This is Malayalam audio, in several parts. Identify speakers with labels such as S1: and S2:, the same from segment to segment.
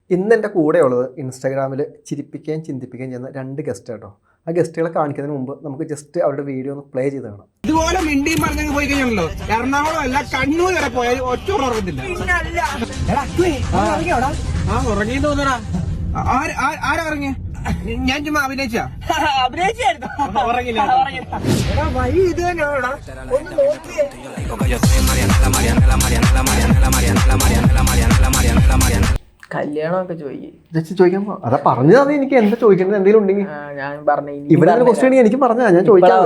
S1: ഇന്ന് എൻ്റെ കൂടെയുള്ളത് ഇൻസ്റ്റാഗ്രാമിൽ ചിരിപ്പിക്കുകയും ചിന്തിപ്പിക്കുകയും ചെയ്യുന്ന 2 ഗസ്റ്റ് കേട്ടോ. ആ ഗസ്റ്റുകളെ കാണിക്കുന്നതിന് മുമ്പ് നമുക്ക് ജസ്റ്റ് അവരുടെ വീഡിയോ ഒന്ന് പ്ലേ ചെയ്ത് കാണാം.
S2: ഇതുപോലെ മിണ്ടിയും പറഞ്ഞങ്ങ് പോയി കഴിഞ്ഞാണല്ലോ എറണാകുളം അല്ല കണ്ണൂർ വരെ പോയാൽ ഒറ്റ ഉറങ്ങത്തില്ല. ഉറങ്ങി തോന്നടാ. ആരാ ഇറങ്ങിയ? ഞാൻ ചുമ്മാ അഭിനയിച്ചാ ഉറങ്ങില്ല. വഴി ഇത് തന്നെയാണോടാ, ഒന്ന് നോക്കിയേ.
S3: കല്യാണമൊക്കെ
S1: ചോദിക്കാൻ അതാ പറഞ്ഞത്. എനിക്ക് എന്താ ചോദിക്കേണ്ടത് എന്തെങ്കിലും ഉണ്ടെങ്കിൽ
S3: ഞാൻ പറഞ്ഞു.
S1: ഇവിടെ ഒരു ക്വസ്റ്റ്യൻ എനിക്ക് പറഞ്ഞാ ഞാൻ ചോദിക്കാം.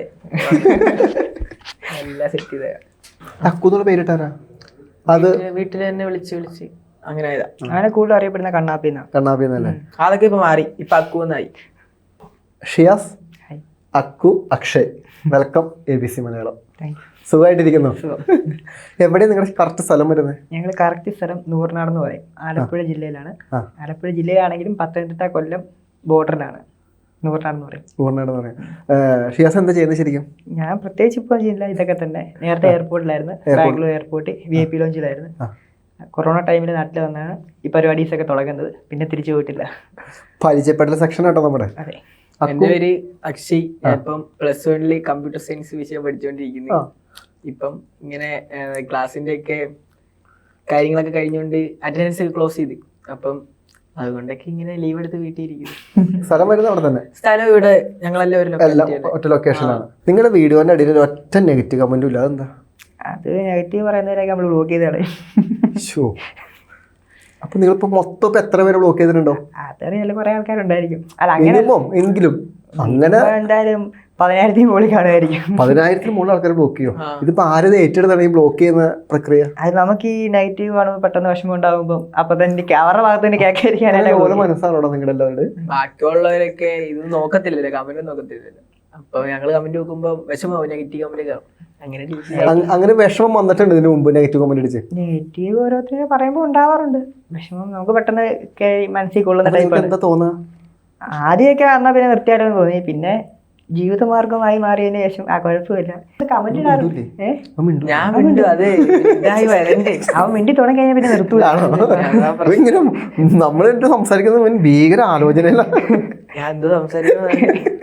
S3: എല്ലാം സെറ്റ് ചെയ്ത
S1: അക്കുന്നുള്ള പേരിട്ടാരാ? അത്
S3: വീട്ടിൽ തന്നെ വിളിച്ച് അങ്ങനെ
S4: അങ്ങനെ കൂടുതൽ അറിയപ്പെടുന്ന
S1: കണ്ണാപ്പിന്നല്ലേ?
S3: അതൊക്കെ ഇപ്പൊ മാറി, ഇപ്പൊ അക്കുന്നായി.
S1: Shiyas, Akku, Akshay, welcome ABC Malayalam. സുഖമായിട്ടിരിക്കുന്നു? എവിടെയാണ് നിങ്ങളുടെ കറക്റ്റ് സ്ഥലം വരുന്നത്?
S4: ഞങ്ങൾ കറക്റ്റ് സ്ഥലം നൂറിനാട് എന്ന് പറയും. ആലപ്പുഴ ജില്ലയിലാണ്. ആലപ്പുഴ ജില്ലയിലാണെങ്കിലും പത്തനംതിട്ട കൊല്ലം ബോർഡറിലാണ് നൂറിനാട് എന്ന് പറയും.
S1: നൂറിനാട് എന്ന് പറയും. ഷിയാസ് എന്താ ചെയ്യുന്നത് ശരിക്കും?
S4: ഞാൻ പ്രത്യേകിച്ച് ഇപ്പോൾ ചെയ്യില്ല, ഇതൊക്കെ തന്നെ. നേരത്തെ എയർപോർട്ടിലായിരുന്നു, ബാംഗ്ലൂർ എയർപോർട്ട് VIP ലോഞ്ചിലായിരുന്നു. കൊറോണ ടൈമിൽ നാട്ടിൽ വന്നാണ് ഈ പരിപാടീസൊക്കെ തുടങ്ങുന്നത്. പിന്നെ തിരിച്ചു പോയിട്ടില്ല.
S1: പരിചയപ്പെടൽ സെക്ഷൻ കേട്ടോ നമ്മുടെ.
S4: അതെ,
S3: എന്റെ പേര് അക്ഷയ്. ഇപ്പം +1 കമ്പ്യൂട്ടർ സയൻസ് വിഷയം പഠിച്ചുകൊണ്ടിരിക്കുന്നു. ഇപ്പം ഇങ്ങനെ ക്ലാസ്സിന്റെ ഒക്കെ കാര്യങ്ങളൊക്കെ കഴിഞ്ഞുകൊണ്ട് അറ്റൻഡൻസ് ഒക്കെ ക്ലോസ് ചെയ്ത്, അപ്പം അതുകൊണ്ടൊക്കെ ഇങ്ങനെ ലീവ് എടുത്ത് വീട്ടിൽ ഇരിക്കുന്നു.
S1: സ്ഥലം വരുന്നത് അവിടെ തന്നെ?
S3: സ്ഥലം ഇവിടെ ഞങ്ങളെല്ലാം
S1: ഒറ്റ ലൊക്കേഷനാണ്. നിങ്ങളുടെ വീഡിയോന്റെ അടിയിൽ ഒറ്റ നെഗറ്റീവ് കമന്റും ഇല്ല, അതെന്താ?
S4: അത് നെഗറ്റീവ് പറയുന്നവരൊക്കെ നമ്മൾ ബ്ലോക്ക് ചെയ്ത് കളയും.
S1: അപ്പൊ നിങ്ങളിപ്പോ മൊത്തം എത്ര പേര് ബ്ലോക്ക് ചെയ്തിട്ടുണ്ടോ?
S4: അതറിയാലോ, കുറെ ആൾക്കാരുണ്ടായിരിക്കും. അല്ല അങ്ങനെ
S1: എങ്കിലും അങ്ങനെ
S4: എന്തായാലും 10,000 മുകളിൽ കാണുമായിരിക്കും.
S1: 10,000 മുകളിൽ ആൾക്കാർ ബ്ലോക്ക് ചെയ്യും. ഇതിപ്പോ ആരും ഏറ്റെടുത്താണ് ഈ ബ്ലോക്ക് ചെയ്യുന്ന പ്രക്രിയ?
S4: അത് നമുക്ക് ഈ നെഗറ്റീവ് കാണുമ്പോൾ പെട്ടെന്ന് വിഷമം ഉണ്ടാകുമ്പോൾ അപ്പൊ തന്നെ അവരുടെ ഭാഗത്ത് തന്നെ കേൾക്കാതിരിക്കാനല്ലേ
S1: മനസ്സാണോ നിങ്ങൾ എല്ലാവരുടെ?
S3: ബാക്കിയുള്ളവരൊക്കെ ഇത് നോക്കത്തില്ലല്ലോ, കമന്റ് നോക്കത്തില്ലല്ലോ. അപ്പൊ ഞങ്ങള് കമന്റ് നോക്കുമ്പോ വിഷമാവും, നെഗറ്റീവ് കമന്റ് കാണും.
S1: അങ്ങനെ വിഷമം വന്നിട്ടുണ്ട് ഇതിനു മുമ്പ് നെഗറ്റീവ് കമന്റ് അടിച്ച്?
S4: നെഗറ്റീവ് ഓരോരുത്തരും പറയുമ്പോൾ ഉണ്ടാവാറുണ്ട്. വിഷമം നമുക്ക് പെട്ടെന്ന് മനസ്സിൽ കൊള്ളുന്ന ടൈപ്പ്.
S1: എന്താ തോന്നുക?
S4: ആദ്യമൊക്കെ വന്നാൽ പിന്നെ നിർത്തിയാലെന്ന് തോന്നി. പിന്നെ ജീവിതമാർഗമായി മാറിയതിനു ശേഷം ആ കുഴപ്പമില്ല. കമന്റ് ഇടാറുണ്ട്. അവൻ മിണ്ടി തുടങ്ങി കഴിഞ്ഞാൽ പിന്നെ നിർത്തൂല.
S1: ഇങ്ങനെ നമ്മളെന്ത് സംസാരിക്കുന്നത് ഭീകര ആലോചനയില്ല.
S3: ഞാൻ എന്തോ സംസാരിക്കുന്നത്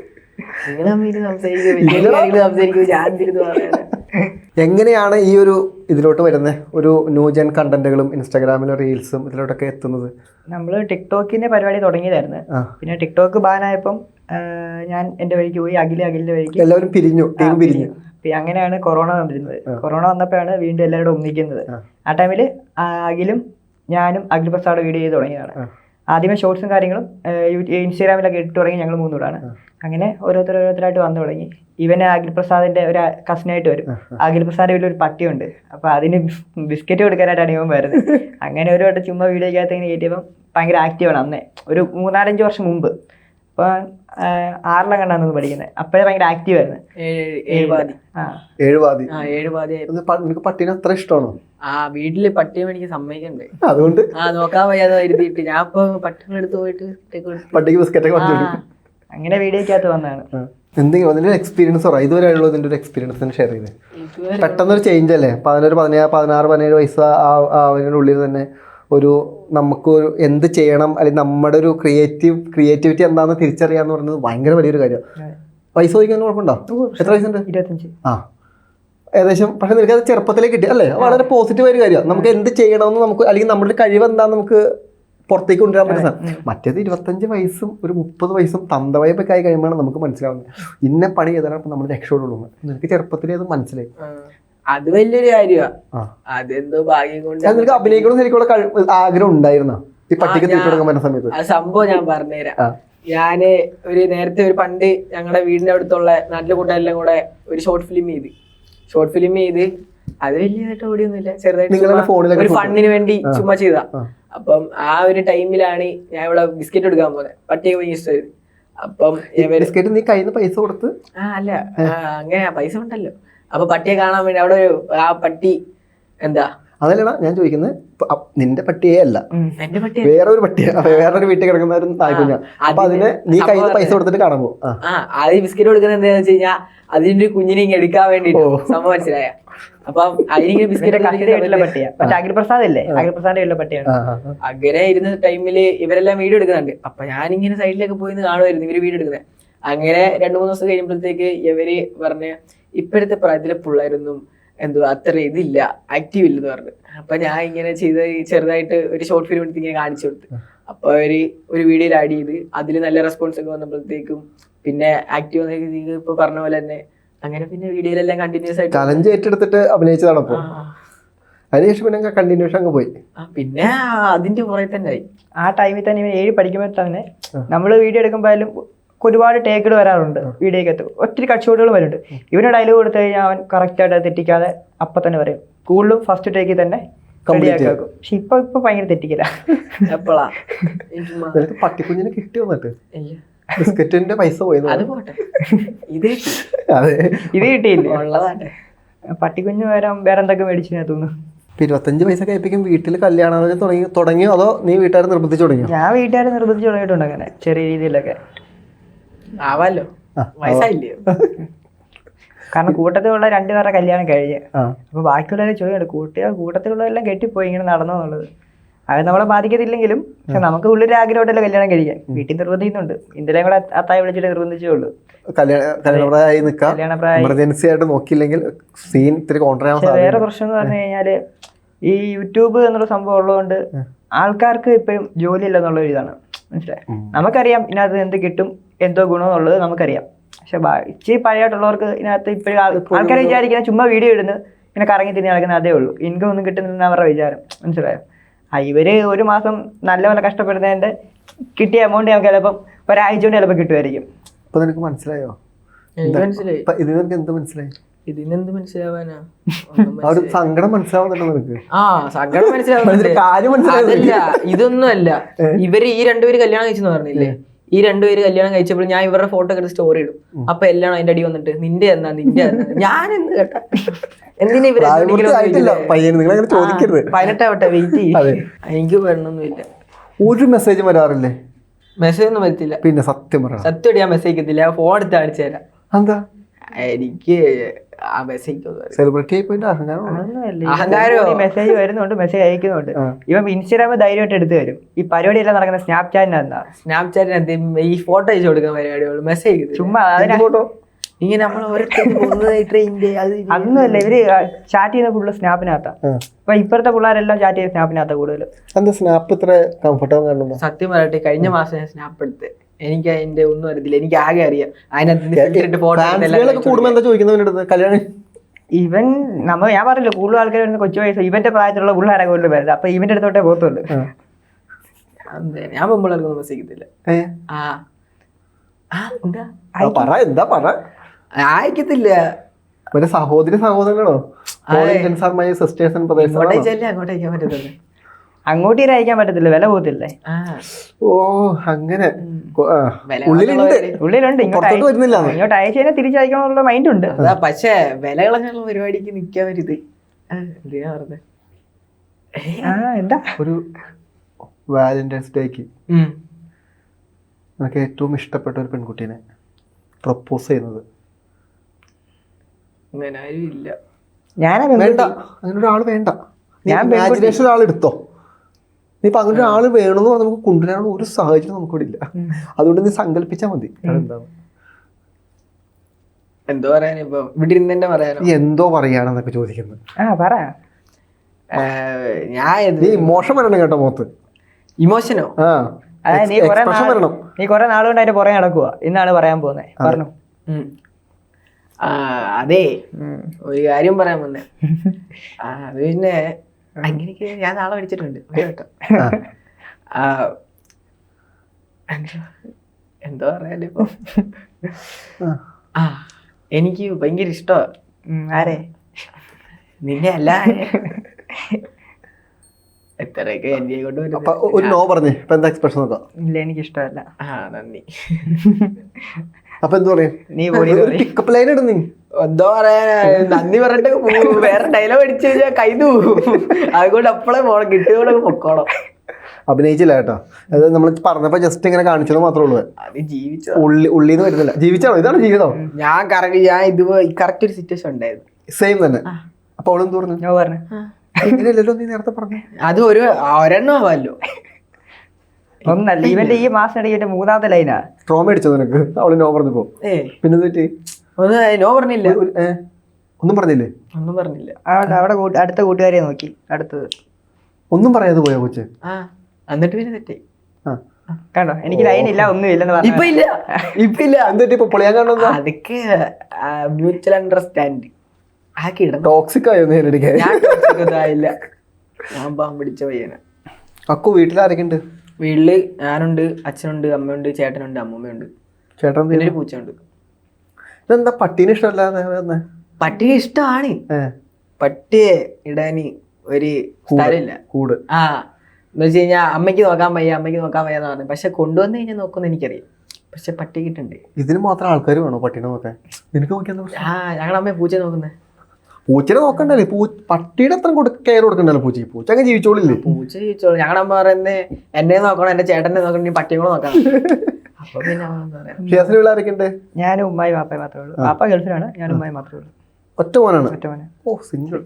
S1: എങ്ങനെയാണ് ഈ ഒരു ഇതിലോട്ട് വരുന്നത്? ഒരു ന്യൂജൻ കണ്ടന്റുകളും ഇൻസ്റ്റാഗ്രാമിലെ റീൽസും ഇതിലോട്ടൊക്കെ എത്തുന്നത്?
S4: നമ്മള് ടിക്ടോക്കിന്റെ പരിപാടി തുടങ്ങിയതായിരുന്നു. പിന്നെ ടിക്ടോക്ക് ബാനായപ്പം ഞാൻ എന്റെ വഴിക്ക് പോയി, അഖിലിന്റെ വഴിക്ക്.
S1: എല്ലാവരും പിരിഞ്ഞു, ടീം പിരിഞ്ഞു.
S4: അങ്ങനെയാണ് കൊറോണ വന്നിരുന്നത്. കൊറോണ വന്നപ്പോഴാണ് വീണ്ടും എല്ലാവരും ഒന്നിക്കുന്നത്. ആ ടൈമില് അഖിലും ഞാനും അഖിൽ പ്രസാദ് വീഡിയോ ചെയ്ത് തുടങ്ങിയതാണ്. ആദ്യമേ ഷോർട്സും കാര്യങ്ങളും ഇൻസ്റ്റാഗ്രാമിലൊക്കെ ഇട്ട് തുടങ്ങി ഞങ്ങൾ 3 കൂടാണ്. അങ്ങനെ ഓരോരുത്തരായിട്ട് വന്നു തുടങ്ങി. ഇവന് അഖിൽ പ്രസാദിന്റെ ഒരു കസിനായിട്ട് വരും. അഖിൽ പ്രസാദിന്റെ വീട്ടിൽ ഒരു പട്ടിയുണ്ട്. അപ്പൊ അതിന് ബിസ്ക്കറ്റ് കൊടുക്കാനായിട്ടാണ് ഇവൻ വരുന്നത്. അങ്ങനെ ഒരു വട്ടം ചുമ്മാ വീഡിയോക്കകത്ത് ഇങ്ങനെ കയറ്റിയപ്പം ഭയങ്കര ആക്റ്റീവാണ്. അന്നേ ഒരു 3-4-5 വർഷം മുമ്പ്. അപ്പൊ 6ാം കണ്ടാന്ന് പഠിക്കുന്നത്. അപ്പോഴേ ഭയങ്കര ആക്റ്റീവ് ആയിരുന്നു.
S1: നിനക്ക് പട്ടീനെ അത്ര ഇഷ്ടമാണോ?
S3: വീട്ടില് പട്ടിയെ എനിക്ക് സമ്മതിക്കണ്ടേ,
S1: അതുകൊണ്ട്
S3: നോക്കാൻ വയ്യാതെ വരുത്തിയിട്ട് ഞാൻ ഇപ്പൊ പട്ടികളെടുത്ത് പോയിട്ട്
S1: പട്ടിക്ക് ബിസ്ക്കറ്റ് ഒക്കെ
S4: അങ്ങനെ വീഡിയോക്കകത്ത് വന്നതാണ്.
S1: എന്തെങ്കിലും അതിന്റെ എക്സ്പീരിയൻസ് പറ. ഇതുവരെ ഉള്ളതിന്റെ ഒരു എക്സ്പീരിയൻസ് ഷെയർ ചെയ്ത്. പെട്ടെന്നൊരു ചേഞ്ച് അല്ലേ? 16-17 വയസ്സ് അതിനുള്ളിൽ തന്നെ ഒരു നമുക്കൊരു എന്ത് ചെയ്യണം, അല്ലെങ്കിൽ നമ്മുടെ ഒരു ക്രിയേറ്റിവിറ്റി എന്താണെന്ന് തിരിച്ചറിയാന്ന് പറയുന്നത് ഭയങ്കര വലിയൊരു കാര്യമാണ്. പൈസ ചോദിക്കാൻ കുഴപ്പമുണ്ടോ? എത്ര വയസ്സുണ്ട്?
S4: 25.
S1: ഏകദേശം. പക്ഷെ നിനക്ക് അത് ചെറുപ്പത്തിലേക്ക് കിട്ടി അല്ലേ? വളരെ പോസിറ്റീവ് ഒരു കാര്യമാണ്. നമുക്ക് എന്ത് ചെയ്യണമെന്ന് നമുക്ക്, അല്ലെങ്കിൽ നമ്മുടെ കഴിവ് എന്താണെന്ന് നമുക്ക് പുറത്തേക്ക് കൊണ്ടുവരാൻ പറ്റുന്ന. മറ്റേത് 25 വയസ്സും ഒരു 30 വയസ്സും തന്തവയപ്പൊക്കെ ആയി കഴിയുമ്പോഴാണ് നമുക്ക് മനസ്സിലാവുന്നത് ഇന്ന പണി ചെയ്താലാണ് നമ്മൾ രക്ഷപ്പെടുള്ളൂ. നിനക്ക് ചെറുപ്പത്തിലേ അത് മനസ്സിലായി.
S3: അത് വലിയൊരു കാര്യമാണ്. അതെന്തോ ഭാഗ്യം കൊണ്ട്.
S1: നിനക്ക് അഭിനയിക്കണം ശരിക്കുള്ള ആഗ്രഹം ഉണ്ടായിരുന്ന ഈ പട്ടിക്ക് തീറ്റ കൊടുക്കാൻ പറ്റുന്ന സമയത്ത്?
S3: ആ സംഭവം ഞാൻ പറഞ്ഞുതരാം. ഞാന് നേരത്തെ ഒരു പണ്ട് ഞങ്ങളുടെ വീടിന്റെ അടുത്തുള്ള നാട്ടിലെ കൂട്ടുകാരെല്ലാം കൂടെ ഒരു ഷോർട്ട് ഫിലിം ചെയ്ത് അത് വലിയതായിട്ട് ഓടിയൊന്നുമില്ല, ചെറുതായിട്ട് ഒരു ഫണ്ടിന് വേണ്ടി ചുമ്മാ ചെയ്താ. അപ്പം ആ ഒരു ടൈമിലാണ് ഞാൻ ഇവിടെ ബിസ്ക്കറ്റ് എടുക്കാൻ പോകുന്നത്. പട്ടിയെ ഭയങ്കര ഇഷ്ടമായത്. അപ്പം
S1: ബിസ്ക്കറ്റ് നീ കയ്യിൽ നിന്ന് പൈസ കൊടുത്ത്?
S3: അല്ല, അങ്ങനെ പൈസ ഉണ്ടല്ലോ. അപ്പൊ പട്ടിയെ കാണാൻ വേണ്ടി അവിടെ ആ പട്ടി എന്താ,
S1: അതല്ലടാ ഞാൻ ചോദിക്കുന്നത്, നിന്റെ പട്ടിയെ അല്ല,
S3: എന്റെ പട്ടി
S1: വേറൊരു പട്ടിയെ, വേറൊരു വീട്ടിൽ കിടക്കുന്ന ഒരു നായ്ക്കുഞ്ഞ. അപ്പൊ അതിന് നീ കയ്യിൽ നിന്ന് പൈസ കൊടുത്തിട്ട് കാണാൻ പോകും.
S3: അത് ബിസ്ക്കറ്റ് കൊടുക്കുന്നത് എന്താന്ന് വെച്ച് കഴിഞ്ഞാൽ അതിന്റെ കുഞ്ഞിനെ ഇങ്ങനെ എടുക്കാൻ വേണ്ടിട്ട്. സംഭവം മനസ്സിലായ? അപ്പം അതിനിങ്ങനെ
S4: ഇവന്റെ കസിന്റെ വീട്ടിലെ
S3: ബിസ്ക്കറ്റ്
S4: പട്ടിയാ. മറ്റേ അഖിൽപ്രസാദ് ഇല്ലേ, അഖിൽപ്രസാദിന്റെ വീട്ടിലെ പട്ടിയാണ്.
S3: അങ്ങനെ ഇരുന്ന ടൈമില് ഇവരെല്ലാം വീഡിയോ എടുക്കുന്നുണ്ട്. അപ്പൊ ഞാനിങ്ങനെ സൈഡിലേക്ക് പോയി കാണുമായിരുന്നു ഇവര് വീഡിയോ എടുക്കുന്നത്. അങ്ങനെ 2-3 ദിവസം കഴിയുമ്പോഴത്തേക്ക് ഇവര് പറഞ്ഞ് ഇപ്പോഴത്തെ പ്രായത്തിലെ പിള്ളേരൊന്നും എന്തോ അത്ര ഇതില്ല, ആക്റ്റീവ് ഇല്ലെന്ന് പറഞ്ഞു. അപ്പൊ ഞാൻ ഇങ്ങനെ ചെയ്ത് ചെറുതായിട്ട് ഒരു ഷോർട്ട് ഫിലിം എടുത്ത് ഇങ്ങനെ കാണിച്ചു കൊടുത്തു. അപ്പൊ അവര് ഒരു വീഡിയോയിൽ ആഡ് ചെയ്ത് അതിൽ നല്ല റെസ്പോൺസ് ഒക്കെ വന്നപ്പോഴത്തേക്കും പിന്നെ ആക്റ്റീവ് ഇപ്പൊ പറഞ്ഞ പോലെ തന്നെ അങ്ങനെ പിന്നെ വീഡിയോയിലെല്ലാം കണ്ടിന്യൂസ് ആയിട്ട്
S1: ചലഞ്ച് ഏറ്റെടുത്തിട്ട് അഭിനയിച്ചതാണ്. അപ്പൊ അതിനുശേഷം പിന്നെ കണ്ടിന്യൂഷൻ അങ്ങ് പോയി.
S3: പിന്നെ അതിന്റെ പുറകെ തന്നെ ആയി.
S4: ആ ടൈമിൽ തന്നെ ഇവൻ 7 പഠിക്കുമ്പോൾ തന്നെ നമ്മൾ വീഡിയോ എടുക്കുമ്പോഴും ഒരുപാട് ടേക്കുകൾ വരാറുണ്ട്. വീഡിയോക്കകത്ത് ഒത്തിരി കട്ട് ഷോട്ടുകൾ വരുന്നുണ്ട്. ഇവന് ഡയലോഗ് കൊടുത്തു കഴിഞ്ഞാൽ അവൻ കറക്റ്റായിട്ട് തെറ്റിക്കാതെ അപ്പം തന്നെ പറയും. കൂടുതലും ഫസ്റ്റ് ടേക്കിൽ തന്നെ റെഡിയാക്കും. പക്ഷെ ഇപ്പൊ ഭയങ്കര തെറ്റിക്കില്ല.
S3: എപ്പോഴാ
S1: പട്ടിക്കുഞ്ഞിനെ കിട്ടി വന്നിട്ട് ബിസ്ക്കറ്റിന്റെ പൈസ പോയി.
S3: അത് പോട്ടെ, ഇത്
S1: അതെ,
S4: ഇത് കിട്ടിയില്ലേ
S3: ഉള്ളതാട്ടെ.
S4: പട്ടിക്കുഞ്ഞ് വേറെ എന്തൊക്കെ മേടിച്ചു തോന്നുന്നു.
S1: 25 പൈസ കഴിപ്പിക്കും. വീട്ടിൽ കല്യാണം തുടങ്ങിയോ അതോ നീ വീട്ടുകാർ നിർബന്ധിച്ചു തുടങ്ങിയോ?
S4: ഞാൻ വീട്ടുകാരെ നിർബന്ധിച്ച് തുടങ്ങിയിട്ടുണ്ട് അങ്ങനെ ചെറിയ രീതിയിലൊക്കെ.
S3: ആവാലോ, വയസ്സായില്ലേ?
S4: കാരണം കൂട്ടത്തിലുള്ള 2 പേരുടെ കല്യാണം കഴിഞ്ഞ് അപ്പൊ ബാക്കിയുള്ളവരെ ചോദിക്കുന്നുണ്ട് കൂട്ടത്തിലുള്ളതെല്ലാം കെട്ടിപ്പോയി ഇങ്ങനെ നടന്നോന്നുള്ളത്. അത് നമ്മളെ ബാധിക്കത്തില്ലെങ്കിലും പക്ഷെ നമുക്ക് ഉള്ളൊരു ആഗ്രഹമായിട്ടല്ല കല്യാണം കഴിക്കാൻ. വീട്ടിൽ നിർബന്ധിക്കുന്നുണ്ട്. ഇന്ത്യയിലും കൂടെ അത്തായി വിളിച്ചിട്ട് നിർബന്ധിച്ചേ ഉള്ളൂ.
S1: കല്യാണപ്രായമായി നിൽക്കാം. എമർജൻസി ആയിട്ട് നോക്കിയില്ലെങ്കിൽ സീൻ ഇത്തിരി കോൺട്രാ.
S4: വേറെ പ്രശ്നം എന്ന് പറഞ്ഞു കഴിഞ്ഞാല് ഈ യൂട്യൂബ് എന്നുള്ള സംഭവം ഉള്ളതുകൊണ്ട് ആൾക്കാർക്ക് ഇപ്പോഴും ജോലി ഇല്ല എന്നുള്ള ഒരു ഇതാണ്. മനസ്സിലായി? നമുക്കറിയാം ഇതിനകത്ത് എന്ത് കിട്ടും എന്തോ ഗുണം എന്നുള്ളത് നമുക്കറിയാം. പക്ഷെ ഇച്ചിരി പഴയമായിട്ടുള്ളവർക്ക് ഇതിനകത്ത് ഇപ്പോഴും ആൾക്കാർ വിചാരിക്കുന്ന ചുമ്മാ വീഡിയോ ഇടുന്നു ഇങ്ങനെ കറങ്ങി തിരിഞ്ഞ് നടക്കുന്ന അതേ ഉള്ളൂ. ഇൻകം ഒന്നും കിട്ടുന്നില്ല അവരുടെ വിചാരം. മനസ്സിലായോ? ഇവര് ഒരു മാസം നല്ലപോലെ കഷ്ടപ്പെടുന്നതിന്റെ കിട്ടിയ എമൗണ്ട് നമുക്ക് ചിലപ്പം ഒരാഴ്ച കൊണ്ട് ചിലപ്പോൾ കിട്ടുമായിരിക്കും.
S1: ഇപ്പൊ നിനക്ക് മനസ്സിലായോ?
S3: മനസ്സിലായി.
S1: ഇത് നിനക്ക് എന്ത് മനസ്സിലായി?
S3: ഇതിനെന്ത് മനസ്സിലാവാനാ?
S1: ആ ഒരു സങ്കടം മനസ്സിലാവുന്നുണ്ടോ നിനക്ക്?
S3: ആ സങ്കടം മനസ്സിലാവുന്നുണ്ട്.
S1: കാര്യം മനസ്സിലാവുന്നില്ല.
S3: അതല്ല, ഇതൊന്നും അല്ല. ഇവര് ഈ 2 പേര് കല്യാണം കഴിച്ചെന്ന് പറഞ്ഞില്ലേ? ഈ 2 പേര് കല്യാണം കഴിച്ചപ്പോൾ ഞാൻ ഇവരുടെ ഫോട്ടോ ഒക്കെ എടുത്ത് സ്റ്റോറി ഇടും. അപ്പൊ എല്ലാം അതിന്റെ അടി വന്നിട്ട് നിന്റെ എന്നാ ഞാൻ എന്ത് കേട്ടാ എന്തിനാ ഇവര് 18 ആവട്ടെ വെയിറ്റ് ചെയ്യും. എനിക്ക് വരണമൊന്നുമില്ല.
S1: ഒരു മെസ്സേജ് വരാറില്ലേ?
S3: മെസ്സേജ് ഒന്നും വരത്തില്ല.
S1: പിന്നെ സത്യം പറയാം,
S3: സത്യം ഞാൻ മെസ്സേജ് അയക്കത്തില്ല. ഫോൺ എടുത്ത് കാണിച്ചു തരാം.
S1: എന്താ
S3: എനിക്ക് ആ മെസ്സേജ്
S1: സെലിബ്രിറ്റി ആയി പോയിട്ട്
S4: അഹങ്കാരോ മെസ്സേജ് വരുന്നുണ്ട്, മെസ്സേജ് അയക്കുന്നുണ്ട്. ഇവൻ ഇൻസ്റ്റാഗ്രാമിൽ ധൈര്യമായിട്ട് എടുത്തു വരും. ഈ പരിപാടിയെല്ലാം നടക്കുന്ന
S3: സ്നാപ്ചാറ്റിനകത്ത് ഈ ഫോട്ടോ അയച്ചു കൊടുക്കുന്ന പരിപാടികൾ മെസ്സേജ്
S4: ചുമ്മാ
S1: ഫോട്ടോ
S3: ഇങ്ങനെ നമ്മൾ
S4: അതൊന്നുമല്ല. ഇവര് ചാറ്റ് ചെയ്യുന്ന ഫുള്ള് സ്നാപ്പിനകത്താ. അപ്പൊ ഇപ്പോഴത്തെ പിള്ളേരെല്ലാം ചാറ്റ് ചെയ്യുന്ന സ്നാപ്പിനകത്താ കൂടുതൽ.
S1: സ്നാപ്പ് ഇത്ര കംഫർട്ടബിൾ കാണുന്നു.
S3: സത്യം പറയട്ടെ, കഴിഞ്ഞ മാസം ഞാൻ സ്നാപ്പ് എടുത്ത് എനിക്ക് അതിന്റെ ഒന്നും അറിയത്തില്ല. എനിക്ക് ആകെ അറിയാം അതിനകത്ത് ഫോട്ടോ ഇവൻ ഞാൻ പറഞ്ഞില്ല കൂടുതൽ ആൾക്കാർ വരുന്ന കൊച്ചു വയസ്സ് ഇവന്റെ പ്രായത്തിലുള്ള പിള്ളേരെ കൂടുതൽ വരുന്നത്. അപ്പൊ ഇവന്റെ അടുത്തോട്ടേ പോകത്തുള്ളൂ. ഞാൻ പെമ്പിള്ളേർക്കൊന്നും മെസ്സേജ്
S1: അയക്കത്തില്ല. സഹോദരി സഹോദരനാണോ?
S3: അങ്ങോട്ടേക്കാൻ പറ്റത്തില്ല.
S4: അങ്ങോട്ട് അയക്കാൻ പറ്റത്തില്ല, വില പോകത്തില്ലേ?
S1: ഓ അങ്ങനെ
S4: ഉള്ളിലുണ്ട്. ഇങ്ങോട്ട് അയച്ചു കഴിഞ്ഞാൽ തിരിച്ചയക്കണമെന്നുള്ള മൈൻഡ് ഉണ്ട്.
S3: പക്ഷേ വില കളഞ്ഞുള്ള പരിപാടിക്ക് നിക്കാൻ വരുത്. എന്തിനാ പറഞ്ഞത്?
S4: എന്താ
S1: ഒരു വാലന്റൈൻസ് ഡേക്ക് എനിക്ക് ഏറ്റവും ഇഷ്ടപ്പെട്ട ഒരു പെൺകുട്ടീനെ പ്രപ്പോസ് ചെയ്യുന്നത്.
S3: അങ്ങനെ ആരും ഇല്ല.
S1: വേണ്ട, അങ്ങനെ ഒരാൾ വേണ്ട. ഇമാജിനേഷൻ ഒരാൾ എടുത്തോ. നീ ഇപ്പൊ അങ്ങനെ ഒരാൾ വേണമെന്ന് പറഞ്ഞാൽ നമുക്ക് കൊണ്ടുവരാനുള്ള ഒരു സാഹചര്യം നമുക്കിവിടെ ഇല്ല. അതുകൊണ്ട് നീ സങ്കല്പിച്ചാൽ മതി. അതെന്താണ്
S3: എന്തോ പറയാൻ ഇപ്പൊ ഇവിടെ ഇരുന്ന് പറയാനോ?
S1: നീ എന്തോ പറയാണെന്നൊക്കെ ചോദിക്കുന്നത്. നീ ഇമോഷൻ വരണം കേട്ടോ മുഖത്ത്.
S3: ഇമോഷനോ?
S4: നീ കൊറേ നാളുകൊണ്ട് അതിന്റെ പുറകെ നടക്കുക. ഇന്നാണ് പറയാൻ പോകുന്നത്. പറഞ്ഞു.
S3: അതെ, ഒരു കാര്യം പറയാൻ വന്നേ. അത് പിന്നെ അങ്ങനെയൊക്കെ ഞാൻ നാളെ പഠിച്ചിട്ടുണ്ട് കേട്ടോ. എന്തോ പറയാലോ ഇപ്പൊ. എനിക്ക് ഭയങ്കര ഇഷ്ടമാണ്.
S4: ആരെ?
S3: നിന്നെ അല്ല. എത്രയൊക്കെ എന്നെ കൊണ്ട്
S1: ഒരു നോ പറഞ്ഞേ. ഇപ്പൊ എന്താ എക്സ്പ്രഷൻ നോക്കാം?
S4: ഇല്ല, എനിക്ക് ഇഷ്ടമല്ല.
S3: നന്ദി.
S1: അപ്പൊ എന്താ പറയാ?
S4: നീ
S1: പിക്കപ്പ് ലൈൻ ഇടും. നീ
S3: എന്തോ പറയാ? നന്ദി പറഞ്ഞിട്ട് വേറെ ഡയലോഗ് അടിച്ചു കഴിഞ്ഞാൽ കൈതു പോകും. അതുകൊണ്ട് അപ്പളേ പോണം, കിട്ടിയോടെ പൊക്കോണം.
S1: അഭിനയിച്ചില്ല കേട്ടോ. അത് നമ്മൾ പറഞ്ഞപ്പോ ജസ്റ്റ് ഇങ്ങനെ കാണിച്ചത് മാത്രമേ ഉള്ളൂ.
S3: അത് ജീവിച്ചു
S1: ഉള്ളിന്ന് വരുന്നില്ല. ജീവിച്ചാണോ? ഇതാണ് ജീവിതം.
S3: ഞാൻ ഇത് കറക്റ്റ് ഒരു സിറ്റുവേഷൻ ഉണ്ടായിരുന്നു.
S1: സെയിം തന്നെ. അപ്പൊ അവളെന്ത് പറഞ്ഞു?
S4: ഞാൻ പറഞ്ഞു
S1: ഇങ്ങനെയല്ലല്ലോ നീ നേരത്തെ പറഞ്ഞു.
S3: അത് ഒരെണ്ണം ആവാമല്ലോ.
S4: ഒന്നല്ല, ഇവന്റെ ഈ മാസം ഇടയ്ക്ക് മൂന്നാമത്തെ ലൈനാ.
S1: ട്രോമ അടിച്ചോ നിനക്ക് അവള് നോ പറഞ്ഞപ്പോ? പിന്നെ തെറ്റി
S3: നോ പറഞ്ഞില്ല.
S1: ഒന്നും പറഞ്ഞില്ലേ?
S3: ഒന്നും പറഞ്ഞില്ല.
S4: അവിടെ അടുത്ത കൂട്ടുകാരെ നോക്കി അടുത്തത്
S1: ഒന്നും പറയാതെ പോയാ കൊച്ച്.
S3: എന്നിട്ട് പിന്നെ തെറ്റി.
S4: കണ്ടോ, എനിക്ക് ലൈൻ ഇല്ല ഒന്നും ഇല്ലെന്ന് പറഞ്ഞു.
S3: ഇപ്പൊ ഇല്ല.
S1: എന്തിട്ട് ഇപ്പൊ പൊളിയാൻ കാണുന്ന?
S3: അതൊക്കെ മ്യൂച്വൽ അണ്ടർസ്റ്റാൻഡിങ് ആക്കി ഇടണം.
S1: ടോക്സിക് ആയോ നേരിടിക്കാൻ?
S3: ഞാൻ പാമ്പ് പിടിച്ച പയ്യന.
S1: അക്കു വീട്ടിൽ ആരൊക്കെ ഉണ്ട്?
S3: വീട്ടില് ഞാനുണ്ട്, അച്ഛനുണ്ട്, അമ്മയുണ്ട്, ചേട്ടനുണ്ട്, അമ്മൂമ്മയുണ്ട്,
S1: ചേട്ടൻ
S3: പിന്നെ ഒരു പൂച്ചയുണ്ട്.
S1: ഇതെന്താ പട്ടീനെ ഇഷ്ടമല്ല?
S3: പട്ടിയെ ഇഷ്ടമാണ്. പട്ടിയെ ഇടാന് ഒരു സ്ഥലമില്ല.
S1: കൂട്
S3: എന്ന് വെച്ച് കഴിഞ്ഞാൽ അമ്മയ്ക്ക് നോക്കാൻ വയ്യ എന്ന് പറഞ്ഞു. പക്ഷെ കൊണ്ടുവന്ന് കഴിഞ്ഞാൽ നോക്കുന്ന എനിക്കറിയാം. പക്ഷെ പട്ടി കിട്ടണ്ടേ?
S1: ഇതിന് മാത്രം ആൾക്കാർ വേണോ പട്ടീനെ നോക്കാൻ? നിനക്ക് നോക്കിയാ
S3: ഞങ്ങളുടെ അമ്മയെ പൂച്ച നോക്കുന്നത്.
S1: പൂച്ചനെ നോക്കണ്ടല്ലേ? പട്ടിയുടെ അത്ര കെയർ കൊടുക്കണ്ടല്ലോ പൂച്ചയ്ക്ക്. പൂച്ച അങ്ങ് ജീവിച്ചോളില്ലേ?
S3: പൂച്ച ജീവിച്ചോളൂ. ഞങ്ങളുടെ അമ്മ പറയുന്നത് എന്നെ നോക്കണം, എന്റെ ചേട്ടനെ നോക്കണം, നീ പട്ടിയെ കൂടെ നോക്കണം. അപ്പൊ പിന്നെ
S1: ഷിയാസിന് ആരൊക്കെ ഉണ്ട്?
S4: ഞാനും ഉമ്മായി വാപ്പയും മാത്രമേ ഉള്ളൂ. വാപ്പ ഗൾഫിലാണ്, ഞാനും ഉമ്മായി മാത്രമേ ഉള്ളൂ.
S1: ഒറ്റ മോനാണ്?
S4: ഒറ്റ മോനെ.
S1: ഓ സിംഗിൾ.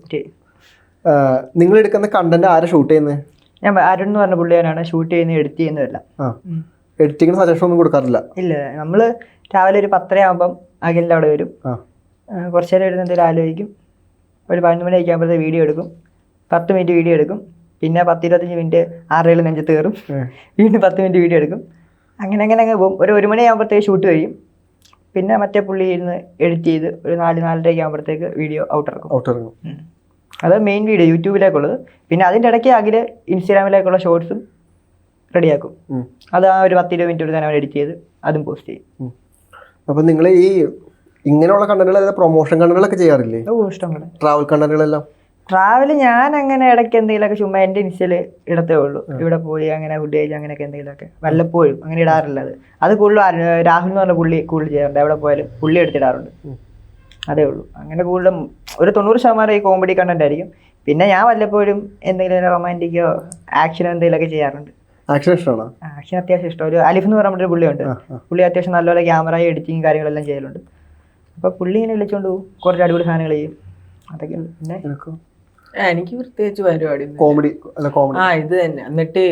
S1: നിങ്ങൾ എടുക്കുന്ന കണ്ടന്റ് ആരാ ഷൂട്ട് ചെയ്യുന്നത്?
S4: ഞാൻ അരുൺ എന്ന് പറഞ്ഞ പുള്ളിയാനാണ് ഷൂട്ട് ചെയ്യുന്നത്, എഡിറ്റ് ചെയ്യുന്നതല്ല.
S1: എഡിറ്റിങ്ങിന് സജഷൻ ഒന്നും കൊടുക്കാറില്ല?
S4: ഇല്ല, നമ്മള് രാവിലെ ഒരു 10:30 ആകുമ്പം അഖിലിൻ്റെ അവിടെ വരും. കുറച്ചു നേരം ഇരുന്ന് എന്തെങ്കിലും ആലോചിക്കും. ഒരു 11 മണി ആകുമ്പോഴത്തേക്ക് വീഡിയോ എടുക്കും. 10 മിനിറ്റ് വീഡിയോ എടുക്കും. പിന്നെ 10-25 മിനിറ്റ് ആരുടെയും നെഞ്ചത്ത് കയറും. വീണ്ടും 10 മിനിറ്റ് വീഡിയോ എടുക്കും. അങ്ങനെ അങ്ങ് പോകും. ഒരു 1 മണി ആകുമ്പോഴത്തേക്ക് ഷൂട്ട് കഴിയും. പിന്നെ മറ്റേ പുള്ളി ഇരുന്ന് എഡിറ്റ് ചെയ്ത് ഒരു 4-4:30 ആകുമ്പോഴത്തേക്ക് വീഡിയോ ഔട്ടിറങ്ങും. അത് മെയിൻ വീഡിയോ യൂട്യൂബിലേക്കുള്ളത്. പിന്നെ അതിൻ്റെ ഇടയ്ക്ക് അഖിൽ ഇൻസ്റ്റാഗ്രാമിലേക്കുള്ള ഷോർട്സും റെഡിയാക്കും. അത് ആ ഒരു 10-20 മിനിറ്റ് എടുത്ത് അവൻ എഡിറ്റ് ചെയ്ത് അതും പോസ്റ്റ് ചെയ്യും.
S1: അപ്പം നിങ്ങൾ ഈ ഇങ്ങനെയുള്ള കണ്ടന്റുകൾ പ്രൊമോഷൻ കണ്ടന്റുകളൊക്കെ ചെയ്യാറില്ലേ?
S4: ഇഷ്ടംപോലെ
S1: ട്രാവൽ കണ്ടന്റുകളെല്ലാം.
S4: ട്രാവൽ ഞാൻ അങ്ങനെ ഇടയ്ക്ക് എന്തെങ്കിലുമൊക്കെ ചുമ്മാ എൻ്റെ ഇൻസ്റ്റയിൽ ഇടത്തേ ഉള്ളൂ. ഇവിടെ പോയി അങ്ങനെ ഫുഡ് കഴിച്ച് അങ്ങനെയൊക്കെ എന്തെങ്കിലുമൊക്കെ വല്ലപ്പോഴും അങ്ങനെ ഇടാറില്ല. അത് കൂടുതലും രാഹുൽ എന്ന് പറഞ്ഞ പുള്ളി കൂടുതൽ ചെയ്യാറുണ്ട്. എവിടെ പോയാലും പുള്ളി എടുത്തിടാറുണ്ട്. അതേ ഉള്ളൂ. അങ്ങനെ കൂടുതലും ഒരു 90% ഈ കോമഡി കണ്ടന്റ് ആയിരിക്കും. പിന്നെ ഞാൻ വല്ലപ്പോഴും എന്തെങ്കിലും റൊമാൻറ്റിക്കോ ആക്ഷനോ എന്തെങ്കിലുമൊക്കെ ചെയ്യാറുണ്ട്.
S1: ആക്ഷൻ ഇഷ്ടമാണോ?
S4: ആക്ഷൻ അത്യാവശ്യം ഇഷ്ടം. ഒരു അലിഫ് എന്ന് പറഞ്ഞൊരു പുള്ളിയുണ്ട്. പുള്ളി അത്യാവശ്യം നല്ലപോലെ ക്യാമറ എഡിറ്റിങ് കാര്യങ്ങളെല്ലാം ചെയ്യലുണ്ട്. അപ്പോൾ പുള്ളി ഇങ്ങനെ വിളിച്ചുകൊണ്ട് പോകും, കുറച്ച് അടിപൊളി സാധനങ്ങൾ ചെയ്യും. അതൊക്കെ ഉണ്ട്. പിന്നെ
S3: എനിക്ക് പ്രത്യേകിച്ച് പരിപാടി
S1: കോമഡി
S3: ഇത് തന്നെ. എന്നിട്ട്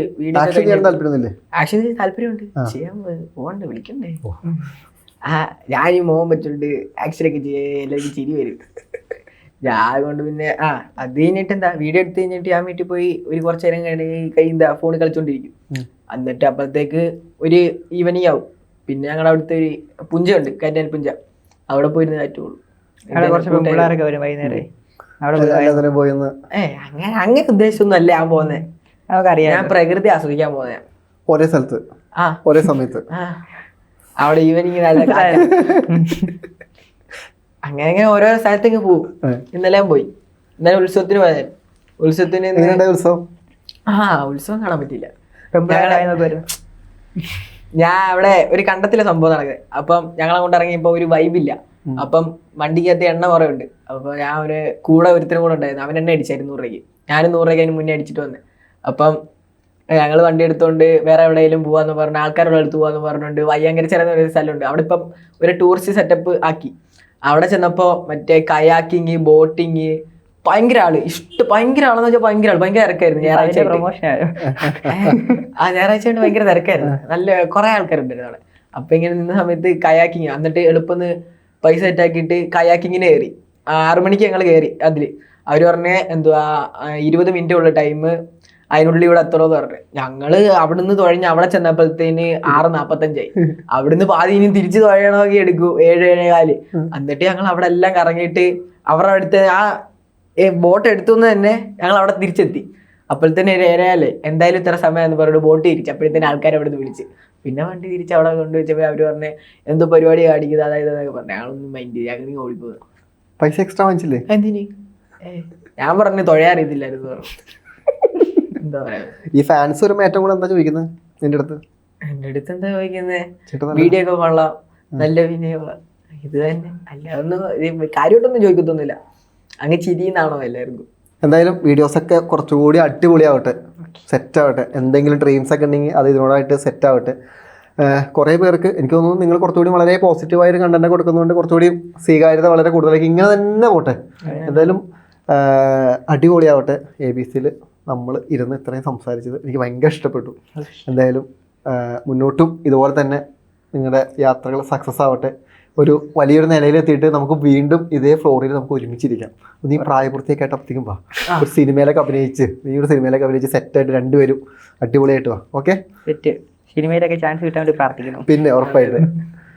S3: ആക്ഷൻ താല്പര്യമുണ്ട്, ചെയ്യാൻ പോകണ്ടേ, വിളിക്കണ്ടേ. ഞാൻ ഈ മോഹൻ വെച്ചുകൊണ്ട് ആക്ഷനൊക്കെ ചെയ്യാൻ എല്ലാവർക്കും ചിരി വരും. ഞാൻ കൊണ്ട് പിന്നെ അത് കഴിഞ്ഞിട്ട് എന്താ വീഡിയോ എടുത്ത് കഴിഞ്ഞിട്ട് ഞാൻ വീട്ടിൽ പോയി ഒരു കുറച്ച് നേരം കൈ ഫോണിൽ കളിച്ചോണ്ടിരിക്കും. എന്നിട്ട് അപ്പോഴത്തേക്ക് ഒരു ഈവനിങ് ആവും. പിന്നെ ഞങ്ങളുടെ അവിടുത്തെ ഒരു പുഞ്ചയുണ്ട്, കറ്റാൽ പുഞ്ച, അവിടെ പോയിരുന്ന് കാറ്റുള്ളൂ. അങ്ങനെ ഉദ്ദേശമൊന്നും അല്ല ഞാൻ പോകുന്നത്. ഞാൻ പ്രകൃതി ആസ്വദിക്കാൻ പോകുന്ന
S1: ഒരേ സ്ഥലത്ത് ഒരേ സമയത്ത്
S3: അവിടെ ഈവനിങ് നല്ല അങ്ങനെ ഓരോ സ്ഥലത്തേക്ക് പോകും. ഇന്നലെ പോയി. ഇന്നലെ ഉത്സവത്തിന് പോയാൽ ഉത്സവത്തിന് ഉത്സവം കാണാൻ പറ്റില്ല. ഞാൻ അവിടെ ഒരു കണ്ടത്തിലെ സംഭവം നടക്കുന്നത്. അപ്പം ഞങ്ങളെ കൊണ്ട് ഇറങ്ങിയപ്പോ ഒരു വൈബില്ല. അപ്പം വണ്ടിക്കകത്ത് എണ്ണ കുറേ ഉണ്ട്. അപ്പൊ ഞാൻ കൂടെ ഒരുത്തരും കൂടെ ഉണ്ടായിരുന്നു. അവൻ എണ്ണ അടിച്ചായിരുന്നു 100 രൂപയ്ക്ക്. ഞാനും 100 രൂപയ്ക്ക് അതിന് മുന്നേ അടിച്ചിട്ട് വന്നത്. അപ്പം ഞങ്ങൾ വണ്ടി എടുത്തോണ്ട് വേറെ എവിടെയെങ്കിലും പോവാന്ന് പറഞ്ഞു, ആൾക്കാരുടെ അടുത്ത് പോവാന്ന് പറഞ്ഞുകൊണ്ട് വയ്യങ്കര ചെറുന്ന ഒരു സ്ഥലമുണ്ട്. അവിടെ ഇപ്പം ഒരു ടൂറിസ്റ്റ് സെറ്റപ്പ് ആക്കി. അവിടെ ചെന്നപ്പോ മറ്റേ കയാക്കിങ്, ബോട്ടിങ്, ഭയങ്കര ആള് ഭയങ്കര ആളെന്ന് വെച്ചാൽ ഭയങ്കര തിരക്കായിരുന്നു. ഞായറാഴ്ച കൊണ്ട് ഭയങ്കര തിരക്കായിരുന്നു. നല്ല കുറെ ആൾക്കാരുണ്ടായിരുന്നു അവിടെ. അപ്പൊ ഇങ്ങനെ നിന്ന സമയത്ത് കയാക്കിങ്, എന്നിട്ട് എളുപ്പം പൈസ സെറ്റാക്കിയിട്ട് കയാക്കിങ്ങിന് കയറി. 6 മണിക്ക് ഞങ്ങൾ കയറി. അതില് അവര് പറഞ്ഞ എന്തുവാ 20 മിനിറ്റ് ഉള്ള ടൈം, അതിനുള്ളിൽ ഇവിടെ എത്തണോന്ന് പറഞ്ഞു. ഞങ്ങള് അവിടുന്ന് തുഴഞ്ഞ് അവിടെ ചെന്നപ്പോഴത്തേന് 6:45 അവിടുന്ന് പാതി ഇനി തിരിച്ച് തുഴയണമെങ്കിൽ എടുക്കും 7-7:15. എന്നിട്ട് ഞങ്ങൾ അവിടെ എല്ലാം കറങ്ങിയിട്ട് അവരുടെ അടുത്ത് ബോട്ട് എടുത്തുനിന്ന് തന്നെ ഞങ്ങൾ അവിടെ തിരിച്ചെത്തി. അപ്പോഴത്തേന് 7:15 എന്തായാലും ഇത്ര സമയം എന്ന് പറഞ്ഞിട്ട് ബോട്ട് തിരിച്ചു. അപ്പോഴത്തേന് ആൾക്കാർ അവിടെ നിന്ന് വിളിച്ച്. പിന്നെ വണ്ടി തിരിച്ച് അവിടെ കൊണ്ടുവച്ചപ്പോൾ അവര് പറഞ്ഞ് എന്തോ പരിപാടി കാണിക്കുന്നത്, അതായത് എന്നൊക്കെ പറഞ്ഞു. ഞങ്ങളൊന്നും മൈൻഡ് ചെയ്ത് ഞങ്ങൾ ഓടിപ്പോകുന്നത്.
S1: പൈസ എക്സ്ട്രാ വാങ്ങിച്ചില്ലേ?
S3: എന്തിന്? ഞാൻ പറഞ്ഞു തുഴയാറിയതില്ലായിരുന്നു പറഞ്ഞു. എന്താ പറയാ, ഈ
S1: ഫാൻസ് ഒരു ഏറ്റവും കൂടെ എന്താ ചോദിക്കുന്നത് നിന്റെ അടുത്ത്?
S3: എന്റെ അടുത്ത് എന്താ ചോദിക്കുന്നത്? വീഡിയോ ഒക്കെ കൊള്ളാം, നല്ല വിനയോ, ഇത് തന്നെ. അല്ലാതൊന്നും കാര്യമായിട്ടൊന്നും ചോദിക്കത്തൊന്നുമില്ല. അങ്ങ് ചിരിന്നാണോ എല്ലാവർക്കും?
S1: എന്തായാലും വീഡിയോസൊക്കെ കുറച്ചുകൂടി അടിപൊളിയാവട്ടെ, സെറ്റാവട്ടെ. എന്തെങ്കിലും ഡ്രീംസ് ഒക്കെ ഉണ്ടെങ്കിൽ അത് ഇതിനോടായിട്ട് സെറ്റാവട്ടെ. കുറേ പേർക്ക് എനിക്ക് തോന്നുന്നു നിങ്ങൾ കുറച്ചുകൂടി വളരെ പോസിറ്റീവായൊരു കണ്ടന്റ് കൊടുക്കുന്നതുകൊണ്ട് കുറച്ചുകൂടി സ്വീകാര്യത വളരെ കൂടുതലായിരിക്കും. ഇങ്ങനെ തന്നെ പോട്ടെ. എന്തായാലും അടിപൊളിയാവട്ടെ. ABC-ൽ നമ്മൾ ഇരുന്ന് ഇത്രയും സംസാരിച്ചത് എനിക്ക് ഭയങ്കര ഇഷ്ടപ്പെട്ടു. എന്തായാലും മുന്നോട്ടും ഇതുപോലെ തന്നെ നിങ്ങളുടെ യാത്രകൾ സക്സസ് ആവട്ടെ. ഒരു വലിയൊരു നിലയിലെത്തിയിട്ട് നമുക്ക് വീണ്ടും ഇതേ ഫ്ലോറിൽ നമുക്ക് ഒരുമിച്ചിരിക്കാം. നീ പ്രായപൂർത്തിയൊക്കെ ആയിട്ടപ്പോഴത്തേക്കും വാ, ഒരു സിനിമയിലൊക്കെ അഭിനയിച്ച് സെറ്റായിട്ട് രണ്ടുപേരും അടിപൊളിയായിട്ട് വാ. ഓക്കെ,
S4: സിനിമയിലൊക്കെ ചാൻസ് കിട്ടാൻ വേണ്ടി പ്രാർത്ഥിക്കുന്നു.
S1: പിന്നെ ഉറപ്പായിട്ട്.